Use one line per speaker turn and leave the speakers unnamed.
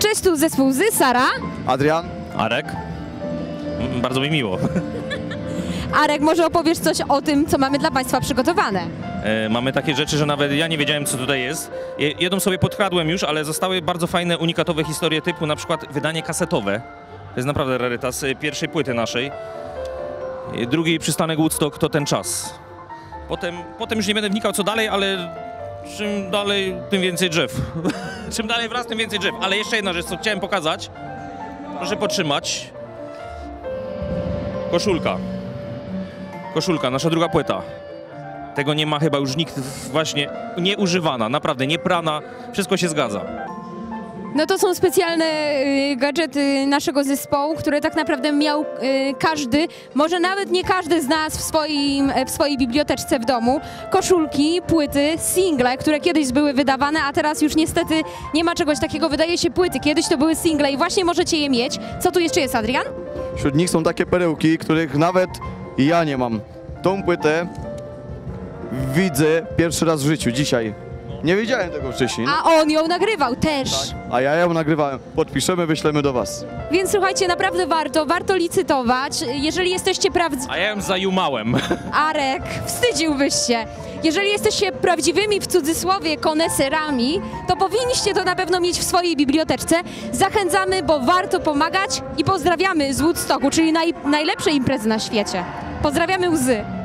Cześć, tu zespół Łzy, Sara.
Adrian.
Arek. Bardzo mi miło.
Arek, może opowiesz coś o tym, co mamy dla Państwa przygotowane?
Mamy takie rzeczy, że nawet ja nie wiedziałem, co tutaj jest. Jedną sobie podkradłem już, ale zostały bardzo fajne, unikatowe historie typu na przykład wydanie kasetowe. To jest naprawdę rarytas pierwszej płyty naszej. Drugi przystanek Woodstock to ten czas. Potem już nie będę wnikał co dalej, ale czym dalej, tym więcej drzew. Czym dalej wraz, tym więcej drzew. Ale jeszcze jedna rzecz, co chciałem pokazać. Proszę potrzymać. Koszulka. Koszulka, nasza druga płyta. Tego nie ma chyba już nikt, właśnie nieużywana, naprawdę, nie prana, wszystko się zgadza.
No to są specjalne gadżety naszego zespołu, które tak naprawdę miał każdy, może nawet nie każdy z nas w swojej biblioteczce w domu. Koszulki, płyty, single, które kiedyś były wydawane, a teraz już niestety nie ma czegoś takiego. Wydaje się płyty, kiedyś to były single i właśnie możecie je mieć. Co tu jeszcze jest, Adrian?
Wśród nich są takie perełki, których nawet ja nie mam. Tą płytę widzę pierwszy raz w życiu, dzisiaj. Nie wiedziałem tego wcześniej.
A on ją nagrywał też.
A ja ją nagrywałem. Podpiszemy, wyślemy do was.
Więc słuchajcie, naprawdę warto licytować. Jeżeli jesteście
A ja ją zajumałem.
Arek, wstydziłbyś się. Jeżeli jesteście prawdziwymi, w cudzysłowie, koneserami, to powinniście to na pewno mieć w swojej biblioteczce. Zachęcamy, bo warto pomagać i pozdrawiamy z Woodstocku, czyli najlepszej imprezy na świecie. Pozdrawiamy Łzy.